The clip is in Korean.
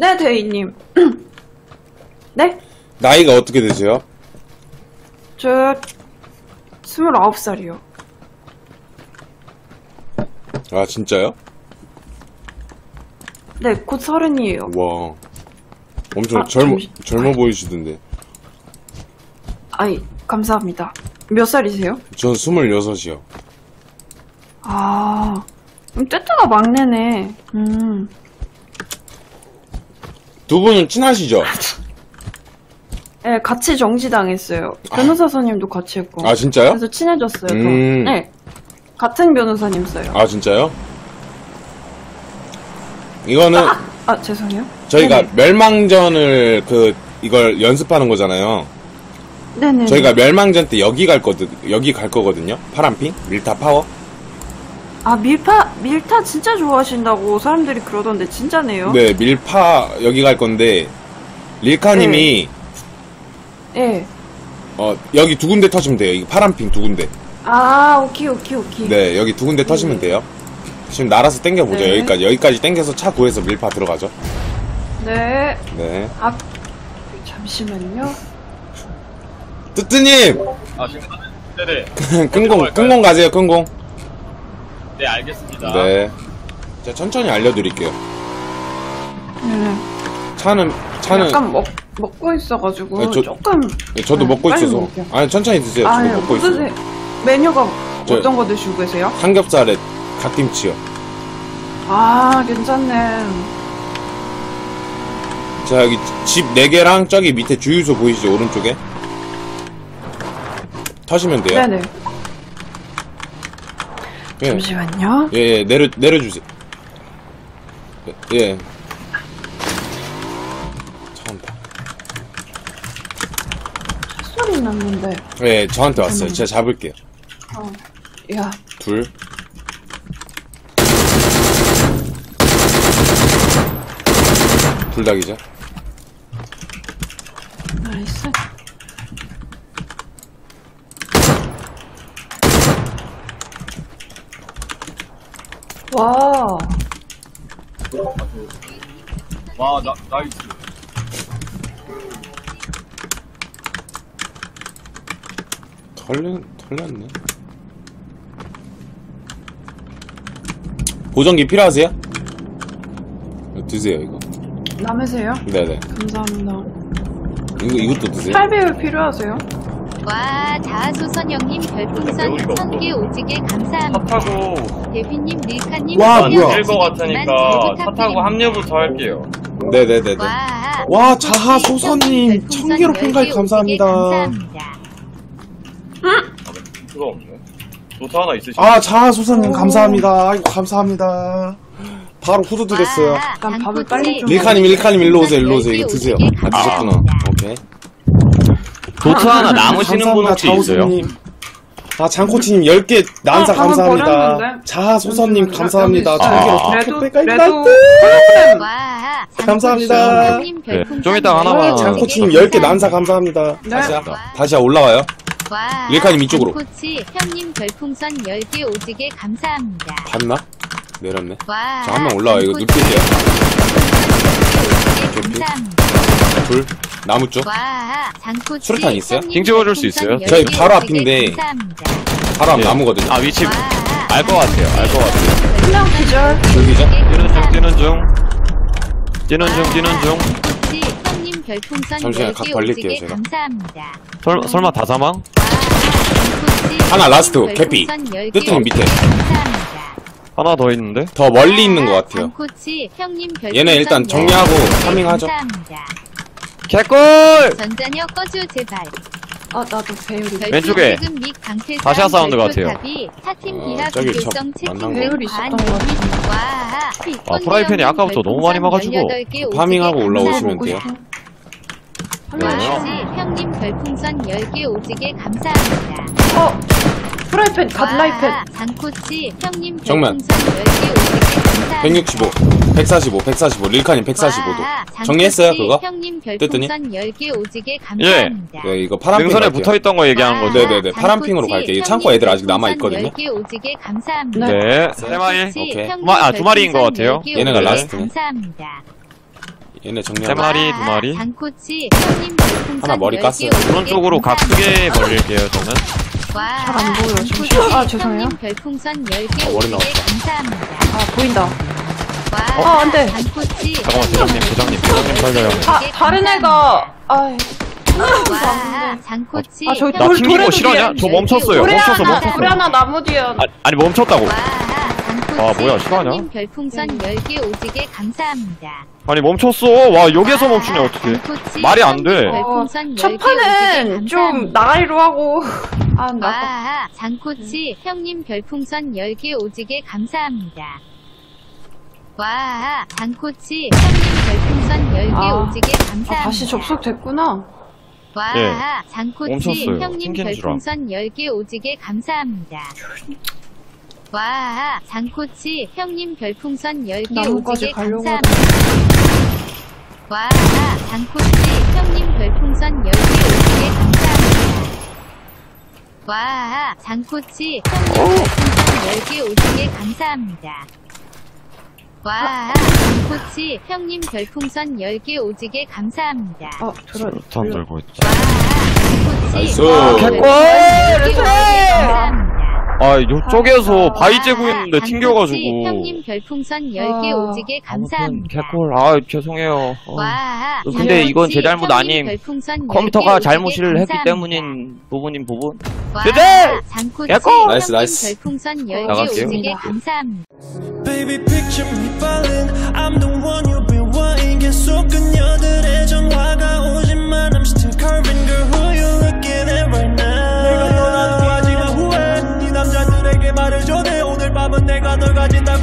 네, 대리님. 네? 나이가 어떻게 되세요? 저 29살이요. 아, 진짜요? 네, 곧 30이에요. 와. 엄청 아, 젊어 보이시던데. 아이, 감사합니다. 몇 살이세요? 전 26이요. 아, 떼떼가 막내네. 두 분은 친하시죠? 네, 같이 정지당했어요. 변호사 선임도 같이 했고. 아, 진짜요? 그래서 친해졌어요. 더. 네, 같은 변호사님 써요. 아, 진짜요? 이거는 죄송해요. 저희가 네네. 멸망전을 이걸 연습하는 거잖아요. 네네. 저희가 멸망전 때 여기 갈 거거든요. 파란핑? 밀타 파워? 아, 밀타 진짜 좋아하신다고 사람들이 그러던데 진짜네요? 네, 밀파 여기 갈 건데 릴카님이 네. 여기 두 군데 터시면 돼요. 이 파란핑 두 군데. 아, 오케이. 네, 여기 두 군데 터시면 돼요. 지금 날아서 땡겨보죠. 네. 여기까지 땡겨서 차 구해서 밀파 들어가죠. 네. 네. 잠시만요. 뜨뜨님! 아, 지금, 네네. 끈공 가세요, 끈공. 네, 알겠습니다. 네. 제가 천천히 알려드릴게요. 네. 차는. 약간 먹고 있어가지고 네, 조금. 네, 저도 네, 먹고 빨리 있어서. 먹을게요. 아니, 천천히 드세요. 저도 예, 먹고 있어요. 드세요. 메뉴가 저- 어떤 거 드시고 계세요? 삼겹살에 갓김치요. 아, 괜찮네. 자, 여기 집 4개랑 저기 밑에 주유소 보이시죠? 오른쪽에? 터시면 돼요. 네네. 예. 잠시만요. 예, 내려주세요. 예. 참다. 소리 났는데. 예, 저한테 왔어요. 제가 잡을게요. 야. 둘. 둘 다 기자. 나이스. 와. 와, 나이스. 털렸네. 보정기 필요하세요? 드세요, 이거. 남으세요? 네네. 감사합니다. 이것도 드세요. 8배율 필요하세요? 와, 자아소선 형님 별풍선 1000개 오지게 감사합니다. 차 타고 대휘님, 릴카님, 와, 뭐야. 뛸것 같으니까 차 타고 합류부터 할게요. 네네네네. 와, 자하 콘치 소선님, 형님 1000개로 팬가입 별풍선 감사합니다. 10개 감사합니다. 그거 없네. 노트 하나 있으시죠? 아, 자하 소선님 감사합니다. 아이고, 감사합니다. 바로 후드 드렸어요. 난 밥을 빨리 좀 릴카님 일로 오세요. 이거 드세요. 아, 드셨구나. 오케이. 도트 하나 남으시는 분 혹시 있어요? 자호선님. 아, 장코치님 10개 난사 방금 감사합니다. 버렸는데? 자하소선님 감사합니다. 레도 와, 감사합니다. 네, 좀 이따 하나만. 장코치님 10개 난사 감사합니다. 네. 다시 올라와요. 와, 릴카님 이쪽으로. 장코치 형님 별풍선 10개 오지게 감사합니다. 봤나? 내렸네. 와, 자, 한 명 올라와요. 이거 장코치 눕힐게요. 형님 별풍선 10개 감사합니다. 둘. 나무 쪽. 와, 장코치 수류탄 있어요? 형님 징 찍어줄 수 있어요? 별풍선 저희 10개 바로 오지게 앞인데. 감사합니다. 바로 앞 예. 나무거든요. 아, 위치 와, 알 것 같아요. 한명 기절. 여기죠? 뛰는 중. 장코치 형님 별풍선 잠시만요. 10개 각 벌릴게요, 오지게 제가. 감사합니다. 설마 다 사망? 하나 라스트, 개피. 뜨뜨님 밑에. 하나 더 있는데? 더 멀리 있는 것 같아요. 장코치 형님 얘네 일단 정리하고 파밍하죠. 감사합니다. 개꿀! 전자녀 꺼줘 제발. 나도 배율이. 왼쪽에. 다시아 사운드 같아요. 저기 만난 배율이 있었던 것 같은데. 아, 프라이팬이 아까부터 너무 많이 막아주고. 파밍하고 올라오시면 돼요. 와, 형님 별풍선 10개 오지게 감사합니다. 프라이팬, 갓라이팬. 장코치 형님 정면. 별풍선 10개 오지게 감사합니다. 165, 145. 릴카님 145도. 정리했어요, 그거? 형님 뜨뜨니? 별풍선 10개 오지게 감사합니다. 네, 이거 파란핑 능선에 갈게요. 붙어있던 거 얘기하는 거죠? 네네네. 파란핑으로 갈게요. 이 창고 애들 아직 남아있거든요. 10개 오지게 감사합니다. 네, 세 마리. 오케이. 두 마리인 것 같아요. 얘네가 라스트네. 감사합니다. 얘네 세 정리하고. 마리, 두 마리. 장코치 형님 별풍선 하나 머리 10개 깠어요. 오른쪽으로 각 크게 벌릴게요, 저는. 와, 잘안 보여요, 장코치 지금. 아, 죄송해요. 형님 별풍선 10개 머리 50개 나왔다. 감사합니다. 아, 보인다. 와, 안 돼. 장코치 잠깐만, 대장님 살려요. 다른 애가, 아이. 와, 장코치 아, 저기 나 돌- 튕긴 거 돌에도 실화냐? 뒤에 저 멈췄어요. 돌에 멈췄어, 하나, 멈췄어. 돌에 하나 나무 뒤에. 아니, 멈췄다고. 와, 장코치 아, 뭐야, 실화냐? 형님 별풍선 10개 오지게 감사합니다. 아니, 멈췄어. 와, 여기에서 멈추냐, 어떡해. 장코치 말이 안 돼. 형님 별풍선 10개 첫 판은 오지게 좀 감사합니다. 나가리로 하고. 아, 나. 와, 장코치 형님 별풍선 10개 오지게 감사합니다. 와, 장코치 형님 별풍선 10개 아, 오지게 감사합니다. 다시 접속됐구나. 와, 예. 장코치 멈췄어요. 형님 튕긴 줄 알아. 별풍선 10개 오지게 감사합니다. 와, 장코치 형님 별풍선 10개 나무까지 오지게 가려고 감사합니다. 와, 장코치 형님 별풍선 10개 오지게 감사합니다. 와, 장코치 형님 별풍선 10개 오지게 감사합니다. 와, 장코치 형님 별풍선 10개 오지게 감사합니다. 턴 들고 있다. 와, 장코치 나이스. 형님 별풍선 10개 오지게 감사합니다. 아, 요쪽에서 바위 재고 있는데 장코치 튕겨가지고. 형님 별풍선 10개 오지게 감사합니다. 개꿀. 아, 죄송해요. 와, 근데 이건 제 잘못 장코치 아님. 형님 별풍선 컴퓨터가 10개 잘못을 오지게 했기 감사합니다. 때문인 부분. 와, 제재! 장코치 개꿀! 나이스, 형님 나이스. 별풍선 10개 나갈게요. 오지게 감사합니다. Baby picture me falling I'm the one you've been wanting 계속 그녀들의 전화가 오지만 I'm still curving girl who you looking at right now 내가 떠나도 하지만 후회 네 남자들에게 말해줘 내 오늘 밤은 내가 널 가진다고